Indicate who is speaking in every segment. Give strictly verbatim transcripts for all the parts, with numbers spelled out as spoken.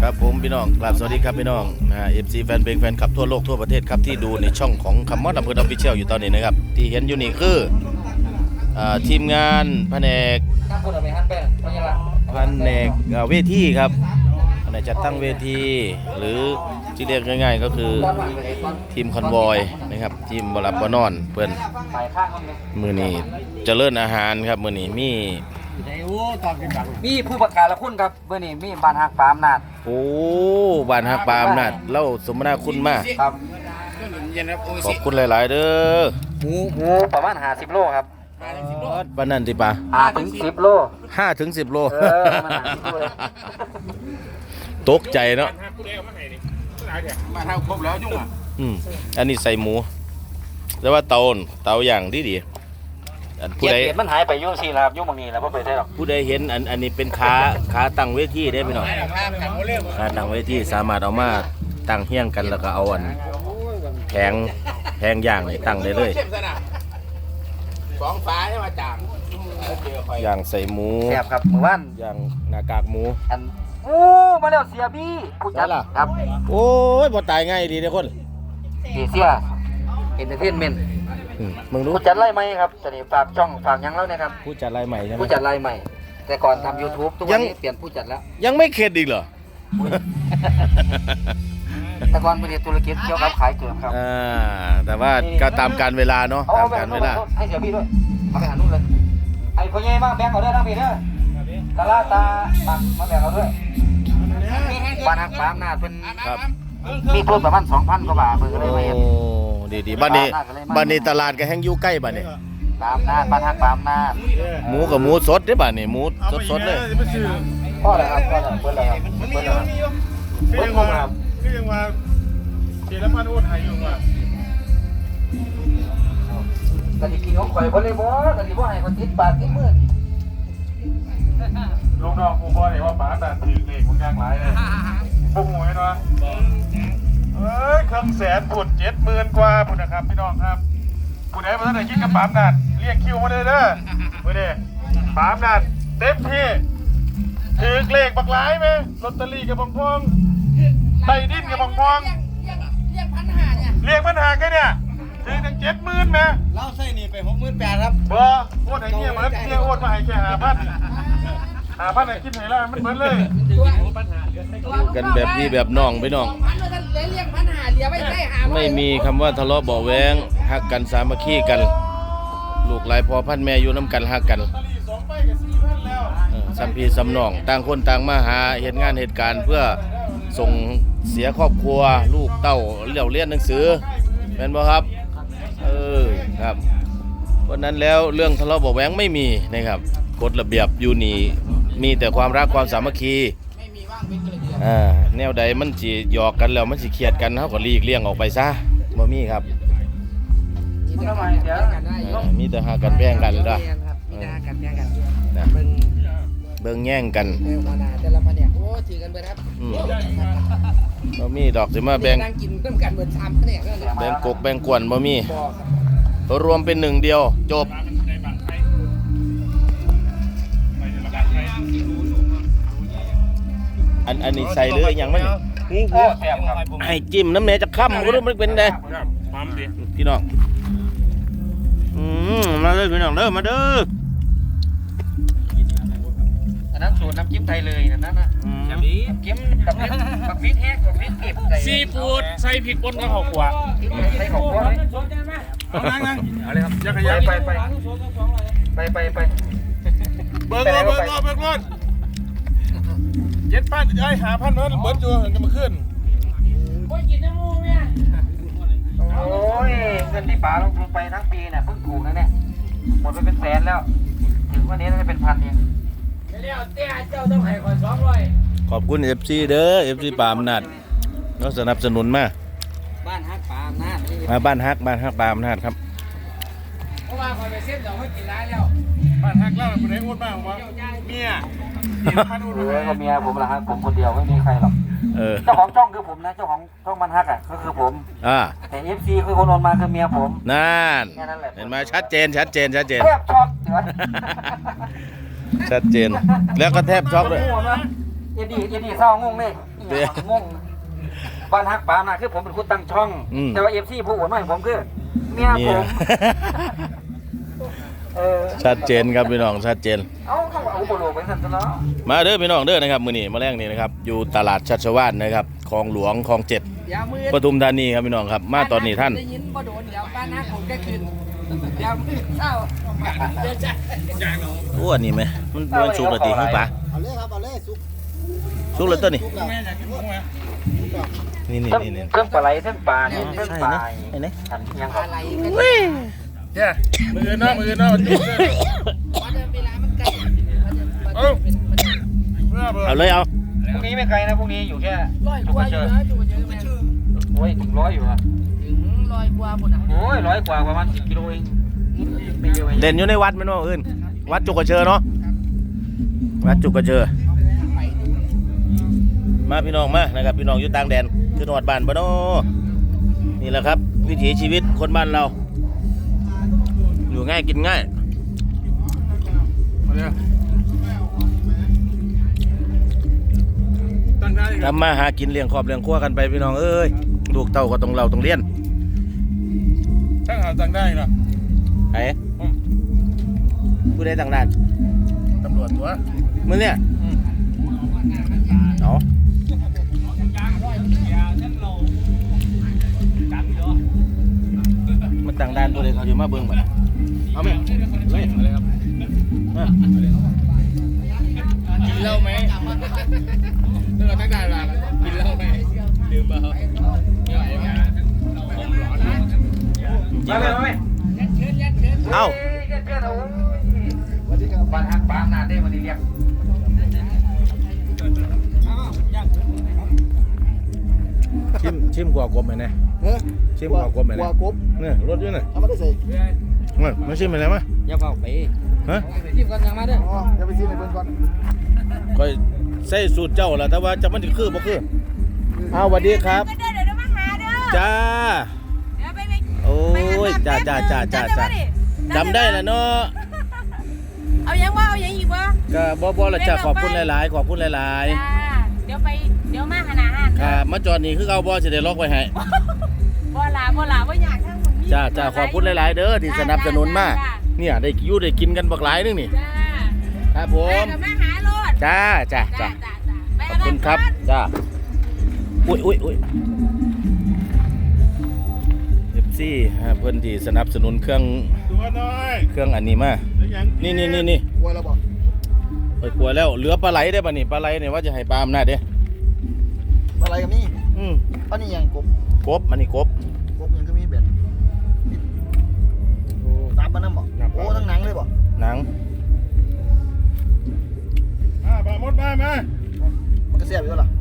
Speaker 1: ครับผมพี่น้องกราบสวัสดีครับพี่น้องนะฮะ เอฟ ซี แฟนเพลงแฟนคลับทั่วโลกทั่วประเทศครับที่ดูในช่องของคำมอดอำเภอออฟฟิเชียลอยู่ตอนนี้นะครับที่เห็นอยู่นี่คืออ่าทีมงานแผนกแผนกอ่าเวทีครับแผนกจัดตั้งเวทีหรือที่เรียกง่ายๆก็คือทีมคอนวอยนะครับทีมบรับบนอนเพื่อนมือนี้เจริญอาหารครับมือนี้มี
Speaker 2: มีผู้ประกาศละคุณครับเมื่อนี้มีบ้านฮักปามนาด
Speaker 1: โอ้บ้านฮักปามนาดเล่าสมนาคุณมาก
Speaker 2: ครับ
Speaker 1: ขอบคุณหลายๆเด้อ
Speaker 2: หมูหมูประมาณห้าสิบโลครับ
Speaker 1: ปานนั่นติปะ
Speaker 2: ห้าถึงสิบโล
Speaker 1: ห้าถึงสิบโล
Speaker 2: เออประมาณห้าสิบโล
Speaker 1: ตกใจเนาะ
Speaker 2: มาทำครบแล้วยุ่งอ่ะ
Speaker 1: อืมอันนี้ใส่หมูแต่ว่าเตาเตาอย่างที่ดี
Speaker 2: ผู้ใดมันหายไปยุ่งสิครับยุ่งบางนี้แล้วพ่อไปใช่หรอก
Speaker 1: ผู้ใดเห็นอันอันนี้เป็นขาขาตั้งเวทีได้ไหมเนาะขาตั้งเวทีสามารถเอามาตั้งเฮี้ยงกันแล้วก็เอาอันแผงแผงย่างนี่ตั้งได้เลย
Speaker 2: สองฟ้าใช่ไหมจาง
Speaker 1: ย่างใส่หมู
Speaker 2: แซ่บครับมือว่าน
Speaker 1: ย่างหน้ากากหมู
Speaker 2: อันโอ้มาแล้วเสียบี้ผู้จัดครับ
Speaker 1: โอ้ยบ่ตายง่ายดีเด้อคน
Speaker 2: เสียเอ็นเตอร์เทนเมนต์
Speaker 1: มึงรู้
Speaker 2: ผู้จัดไล่ไหมครับจะนี่ฝากช่องฝากยังแล้วนะครับ
Speaker 1: ผู้จัดไล่ใหม่ใช่ไหม
Speaker 2: ผู้จัดไล่ใหม่แต่ก่อนทำ YouTube ทุกวันนี้เปลี่ยนผู้จัดแล้ว
Speaker 1: ยังไม่เข็ดอีกเหรอ
Speaker 2: แต่ก่อนเป็นธุรกิจเกี่ยวกับขายเกลือครับ
Speaker 1: อ่าแต่ว่าก็ตามการเวลาเนาะตามการเวลา
Speaker 2: ให้เสียพี่ด้วยมาไปหานู่นเลยไอ้พ่อใหญ่มาแบ่งเอาด้วยนะพี่เด้อตาลาตาตักมาแบ่งเอาด้วยบ้านฮักปามนาดเป็น
Speaker 1: ครับ
Speaker 2: มีทุนประมาณสองพันกว่าบาทเพิ่งเลยมาเห็น
Speaker 1: ดีดีบ้านนี้บ้านนี้ตลาดก็แห้งอยู่ใกล้บ้านนี้
Speaker 2: ปามนาดบ้านฮักปามนาด
Speaker 1: หมูกับหมูสดได้บ้านนี้หมูสดสดเลย
Speaker 2: พ่อเลยครับพ่อเลยเพิ่นเลยครับเพิ่นเลยครับเพิ่นมาครับ
Speaker 3: คือยังมาเจริญพันธุ์อ้วนหายอยู่ว่ะ
Speaker 2: กะดิกินของข่อยบ่เลยบ่กะดิบ่ให้คนติดปากติดมือ
Speaker 3: ลูกน้องผู้บ่ได้ว่าป๋าแต่ถือเลขของกลางหลายเลยพวกหวยเนาะเอ้ยเครื่องแสนปุ่นเจ็ดหมื่นกว่าปุ่นนะครับพี่น้องครับปุ่นไหนมาท่านไหนคิดกับป๋ามนาดเรียกคิวมาเลยเด้อเมื่อเด้ป๋ามนาดเต็มที่ถือเลขบักหลายไหมลอตเตอรี่กับบางพองไต้ดินกับบางพอง
Speaker 2: เรียกพันหาเนี่ย
Speaker 3: เรียกพันหาแค่เนี่ยถือตั้งเจ็ดหมื่นไหม
Speaker 2: เราใส่นี่ไปหกหมื่นแปดครับ
Speaker 3: บ่โอนไอ้เงี้ยเหมือนเงี้ยโอนมาให้แค่หาพันหาพันไหนคิดไหนล่ะมันเหมือนเลย
Speaker 1: กันแบบพี่แบบน้องไปน้องไม่มีคำว่าทะเลาะเบาะแว้งฮักกันสามัคคีกันลูกหลายพอพันแม่อยู่น้ำกันฮักกันสัมพีสัมน้องต่างคนต่างมาหาเหตุงานเหตุการณ์เพื่อส่งเสียครอบครัวลูกเต้าเลี้ยวเรียนหนังสือเป็นบ่ครับเออครับเพราะนั้นแล้วเรื่องทะเลาะเบาะแว้งไม่มีนะครับกฎระเบียบอยู่นี่มีแต่ความรักความสามัคคีอ่าแนวใดมันสิหยอกกันแล้วมันสิเครียดกันเฮาก็หลีกเลี่ยงออกไปซะบ่มีครับมีแต่หากันแพงกันเด้อนะเบิ่งแย่งกัน
Speaker 2: แต่ละแผนกโอ้ถือกันเบิดครับ
Speaker 1: อืมบ่มีดอกสิมาแบ่ง
Speaker 2: กินร่วมกันเบิดสามแผนก
Speaker 1: แบ่งกกแบ่งกวนบ่มีรวมเป็นหนึ่งเดียวจบอันอันนี้ใส่เลยยังมันให้จิ้มน้ำเนยจะค่ำก็รู้มันเป็นไงพี่น้องอืมมาเลยพี่น้องเด้อมาเด้อ
Speaker 2: อันนั้นสูตรน้ำจิ้มไทยเลยนั่นน่ะน้ำจิ้มกับพริกกับพริกแห้งกับพริกดิบ
Speaker 3: ซีฟู้ดใส่พริกป่นกับข้าวคั่ว
Speaker 2: ใส่ข้าวคั่ว
Speaker 3: นั่งนั่ง
Speaker 2: เอาเลยครับ
Speaker 3: ยักษ์ยักษ์
Speaker 2: ไปไปไปไปไป
Speaker 3: เบิร์ดเบิร์ดเบิร์ดเบิร์ดเจ็ดพันไอ้หาพันเบิร์ดเบิร์ดจูเห็นกันมาขึ้น
Speaker 2: โอ้ยกินน้ำมูกเนี่ยโอ้ยเงินที่ป๋าลงทุนไปทั้งปีเนี่ยเพิ่งถูกนะเนี่ยหมดไปเป็นแสนแล้วถึงวันนี้น่าจะเป็นพันเองเดี๋ยวเตี้ยเจ้าต้องให้คนสองร้อย
Speaker 1: ขอบคุณ เอฟ ซี เด้อ เอฟ ซี ปามนาดก็สนับสนุนมา
Speaker 2: บ้านฮักปามนาด
Speaker 1: มาบ้านฮักบ้านฮักปามนาดครับ
Speaker 2: เพราะว่าคอยไปเซ็ตดอกให้กินร้ายแล้ว
Speaker 3: บ้านฮักเล่าคนไหนอ้วนมากวะเมีย
Speaker 2: เออก็เมียผมละฮะผมคนเดียวไม่มีใครหรอกเจ้าของช่องคือผมนะเจ้าของช่องมันฮักอ่ะก็คือผม
Speaker 1: อ่า
Speaker 2: แต่ เอฟ ซี คือคนโอนมาคือเมียผม
Speaker 1: นั่นเห็นไหมชัดเจนชัดเจนชัดเจน
Speaker 2: แทบช็อกเดี๋ยว
Speaker 1: ชัดเจนแล้วก็แทบช็อกเลย
Speaker 2: เอ็ดดี้เอ็ดดี้เศร้างงเลย
Speaker 1: เด้
Speaker 2: งงบ้านฮักปานะคือผมเป็นคนตั้งช่อง
Speaker 1: อืม
Speaker 2: แต่ว่าเอฟซีผู้โอนมาให้ผมคือเมีย
Speaker 1: นี่
Speaker 2: ผมเออ
Speaker 1: ชัดเจนครับพี่น้องชัดเจน
Speaker 2: เอาเข้าเอาอุปโลกไปสั่นซะเนาะ
Speaker 1: มาเด้อพี่น้องเด้อนะครับมื้อนี้มาแรงนี้นะครับอยู่ตลาดชัชวาลนะครับคลองหลวงคลองเจ็ด
Speaker 4: ยาวมือ
Speaker 1: ปทุมธานีครับพี่น้องครับมาตอนนี้ท่าน
Speaker 4: ได้ยินบ่โดนเดี๋ยวบ้านหน้าผมก็คืนยาวมือเศร้าเดี๋ยวจะ
Speaker 1: โอ้อันนี้ไหมมันมันสุกแล้วติฮู้ปะ
Speaker 5: เอาเลยครับเอาเลยสุก
Speaker 1: สุกแล้วตัวนี้
Speaker 5: สุกแล้ว
Speaker 1: นี่นี่
Speaker 2: เครื่อง
Speaker 1: นี่นี่
Speaker 2: เครื่องปลาไหลเครื่องปลาเนี่ยเครื่อง
Speaker 1: ใช่
Speaker 2: ปลา
Speaker 1: นะไอ้นี่
Speaker 2: อันยัง
Speaker 4: อะไรกัน
Speaker 3: เนี่ยมือเนาะมือเนาะจุ๊บเลย
Speaker 4: ว่าเดินเวลามันไกล
Speaker 3: เอ้าเมื่อเบอ
Speaker 1: เอา
Speaker 3: ร์
Speaker 1: เลยเอา
Speaker 2: พรุ่งนี้ไม่ไกลนะพรุ่งนี้อยู่แค่
Speaker 4: ร้อยกว่าอยู่นะจุกเยอะแม่
Speaker 2: โอ้ยถึงร้อยอยู่อะ
Speaker 4: ถึงร้อยกว่าบุญอ่ะ
Speaker 2: โอ้ยร้อยกว่าประมาณสิบกิโลเองไม่เยอะไม่เย
Speaker 1: เด่
Speaker 2: อะ
Speaker 1: นอยู่ในวัดแม่นบ่อื่นวัดจุกกระเชอเนาะวัดจุกกระเชอมาพี่น้องมานะครับพี่น้องอยู่ต่างแดนคือจังหวัดบ้านบ่เนาะนี่แหละครับ วิถีชีวิตคนบ้านเรา อยู่ง่ายกินง่าย
Speaker 3: มาเลยตั้งได้ครับ
Speaker 1: ทำมาหากินเลี้ยงครอบเลี้ยงครัวกันไปพี่น้องเอ้ยลูกเต้าก็ต้องเราต้องเรียน
Speaker 3: ตั้งหาตั้งได้เนาะ
Speaker 1: ไอ้ผู้ใดต่างด้าน
Speaker 3: ตำรวจตัว
Speaker 1: มึงเนี่ยเอามันต่างด้านผู้ใดเขาอยู่มาเบิ่งบ่ล่ะเอาไหมเฮ้ย
Speaker 3: อะไรครับ
Speaker 1: มา
Speaker 3: กินเหล้าไหมเรื่องตั้งได้เวลากินเหล้าไหมดื่มเปล่าไม่ไหวไหมผมร้อนนะ
Speaker 2: มาเลยมาเลย
Speaker 1: เอ้า
Speaker 2: เพื่อนเพื่อนโอ้ย
Speaker 5: สวัสดีครับ
Speaker 2: บ้านฮักปานาได้มาดีเรียก
Speaker 1: ชิมชิมกว่ากบไหมเนี่ย
Speaker 5: เฮ้ย
Speaker 1: ชิมกว่ากบไหม
Speaker 5: ก
Speaker 1: เนี่
Speaker 5: ว่าย กบ
Speaker 1: เนี่ยรถอยู่เนี่ย
Speaker 5: เอามาได้ใส่
Speaker 1: มามาชิมไปเลยมั้ย
Speaker 4: อย่าเบาไป
Speaker 1: ฮะ
Speaker 4: จิ้มกันยังมาเด้อ
Speaker 5: อ๋อเดี๋ยวไปซื้อในเพิ่นก่อน
Speaker 1: ค่อยใส่สูตรเจ้าล่ะแต่ว่าจะมันสิคือบ่คืออ้าวสวัสดีครับ
Speaker 6: ก็เด้อเดี๋ยวเรามาหาเด้อ
Speaker 1: จ้า
Speaker 6: เดี๋ยวไปไป
Speaker 1: โอ้
Speaker 6: ไปห
Speaker 1: ย
Speaker 6: บ้น
Speaker 1: จ้าจ้าจ้าจ้าจ้า
Speaker 6: จำได้
Speaker 1: จำได้แล้วเนาะ
Speaker 6: เอายังว่าเอายังอีกวะ
Speaker 1: ก็บ่บ่ละจ้าขอบคุณหลายๆ ขอบคุณหลาย
Speaker 6: จ้าเดี๋ยวไปเดี๋ยวมาหาอาหาร
Speaker 1: ๆครับมาจอดนี่คือเอาบ่สิได้ล็อกไว้ให้
Speaker 6: บ่ลาบ่ลาบ่อยากทั้งหมดนี้
Speaker 1: จ้าจ้าขอบคุณหลายๆ เด้อที่สนับสนุนมา
Speaker 6: จ้า
Speaker 1: เนี่ยได้อยู่ได้กินกันบักหลายนึงนี่
Speaker 6: จ้า
Speaker 1: ครับผ
Speaker 6: ไป
Speaker 1: ม
Speaker 6: กับมาหาโลด
Speaker 1: จ้าจ้าจ้า
Speaker 6: จ้าจ้าไป
Speaker 1: ขอบคุณครับจ้าอุ้ยอุ้ยอุ้ยเอฟซีเพื่อนที่สนับสนุนเครื่อง
Speaker 3: ตัวน้อย
Speaker 1: เครื่องอันนี้มา
Speaker 3: แล้วยัง
Speaker 1: นี่นี่นี่นี่
Speaker 5: กลัวแล้วบ่
Speaker 1: ไปกลัวแล้วเหลือปลาไหลได้ป่ะนี่ปลาไหลเนี่ยว่าจะให้ปลาอำนาจเด้
Speaker 5: อะไรกับนี่
Speaker 1: อืม
Speaker 5: อันนี้ยังกบ
Speaker 1: กบอันนี้กบ
Speaker 5: กบยังก็มีเบ็ดตามมานํบ่โอ้ทั้งหนังเลยบ่
Speaker 1: หนัง
Speaker 3: อ่าปลาหมดมามา
Speaker 5: มันก็แซ่บอยู่ล่ะ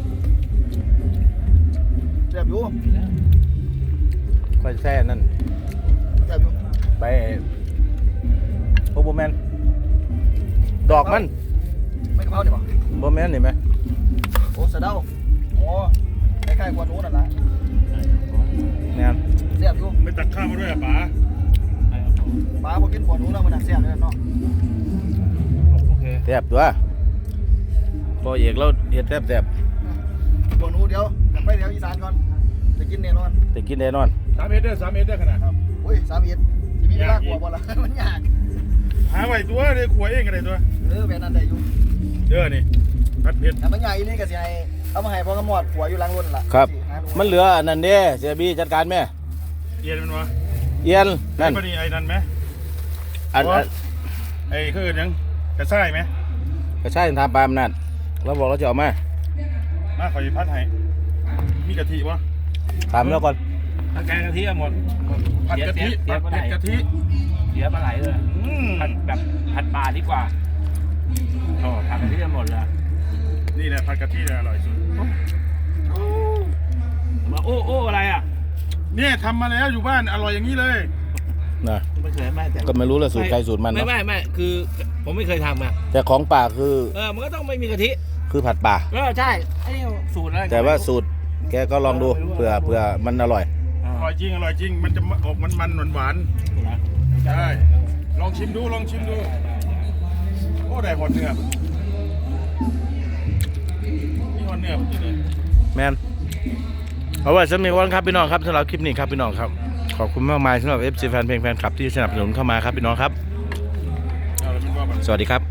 Speaker 5: แซ่บอยู่
Speaker 1: ค่อยแซ่นั่น
Speaker 5: แซ่บอยู่
Speaker 1: ไปโอ้โบแมนดอกมัน
Speaker 5: ไม่กะเพรานี่บ่
Speaker 1: โบแมนนี่ไหม
Speaker 5: โอ้สะเดาโอ้คล้ายๆกวนหนูนั่นล่ะ
Speaker 1: เนี่ย
Speaker 5: แซ่บอยู่
Speaker 3: ไม่ตักข้าวมาด้วยอ่ะป๋า
Speaker 5: ปลาบ่กินกวนหนูแล้วมันน่ะแซ่บเลยเนาะ
Speaker 3: โอเค
Speaker 1: แซ่บตัวพอเอกเราเห็ดแซ่บแซ่บ
Speaker 5: กวนหนูเดี๋ยวกลับไปเดี๋ยวอีสานก่อนจะกินแน่นอน
Speaker 1: แต่กินแน่นอน
Speaker 3: สามเมตรเด้อสามเมตรเด้อขนาดครับ
Speaker 5: โอ้ยสามเอ็ดสิมีเวลากลัวบ่ล่ะ มันยาก
Speaker 3: หาไว้ตัวเลยขวยเองกันเลยตัว
Speaker 5: เออแบบนั้นได้อยู่
Speaker 3: เด้อนี่พัดเผ็ด
Speaker 5: แต่มันใหญ่นี่ก็สิให้เอามาให้พ่อกำมอดหัวอยู่หลังรถนั่นล่ะ
Speaker 1: ครับ
Speaker 5: สิหาดู
Speaker 1: มันเหลืออันนั้นเด้เสียบีจัดการแม่
Speaker 3: เย็นมันวะ
Speaker 1: เอียนนั่น
Speaker 3: พอดีไอ้นั่นไหม
Speaker 1: อันอัน
Speaker 3: ไอ้คือยังกระส่ายไหม
Speaker 1: กระชายทำปลาอำนาจเราบอกเราจะเอามา
Speaker 3: มาขอยีพัดให้มีกะทิวะ
Speaker 1: ถามแล้วก่อน
Speaker 7: ถ้าแกงกะทิหมด
Speaker 3: ผัดกะทิ
Speaker 7: เสี
Speaker 3: ผั
Speaker 7: ย
Speaker 3: ด
Speaker 7: ปลาไหล
Speaker 3: เผ็ดกะทิ
Speaker 7: เสียปลาไหลเลย
Speaker 3: อืม
Speaker 7: ผัดแบบผัดปลาดีกว่าโอ้ผัดกะทิหมดเลย
Speaker 3: นี่แหละผัดกะทิเนี่ยอร่อยสุด
Speaker 7: มาโอ้โอ้อะไรอ่ะ
Speaker 3: เนี่ยทำมาแล้วอยู่บ้านอร่อยอย่างนี้เลย
Speaker 1: นะ
Speaker 7: ไม่เคยไม่แต่
Speaker 1: ก็ไม่รู้ละสูตรใครสูตรมัน
Speaker 7: ไม่
Speaker 1: เนาะ
Speaker 7: ไม่ไม่คือผมไม่เคยทำอ่ะ
Speaker 1: แต่ของป่าคือ
Speaker 7: เออมันก็ต้องไม่มีกะทิ
Speaker 1: คือผัดป่า
Speaker 7: เออใช่ไอ้นี่สูตรอะไร
Speaker 1: แต่ว่าสูตรแกก็ลองดูเผื่อเผื่อมันอร่อย
Speaker 7: อ่า
Speaker 3: อร่อยจริงอร่อยจริงมันจะออกมันมันหวานหวาน
Speaker 7: นะ
Speaker 3: ๆใช่ลองชิมดูลองชิมดูโอ้ได้หมดเนื้อนี่หเนื้อมันจะเลย
Speaker 1: แมนเอาไว้สำหรับวันครับพี่น้องครับสำหรับคลิปนี้ครับพี่น้องครับขอบคุณมากมายสำหรับ เอฟ ซี แฟนเพลงแฟนคลับที่สนับสนุนเข้ามาครับพี่น้องครับ
Speaker 3: เอาแล้วมันว่ามัน
Speaker 1: สวัสดีครับ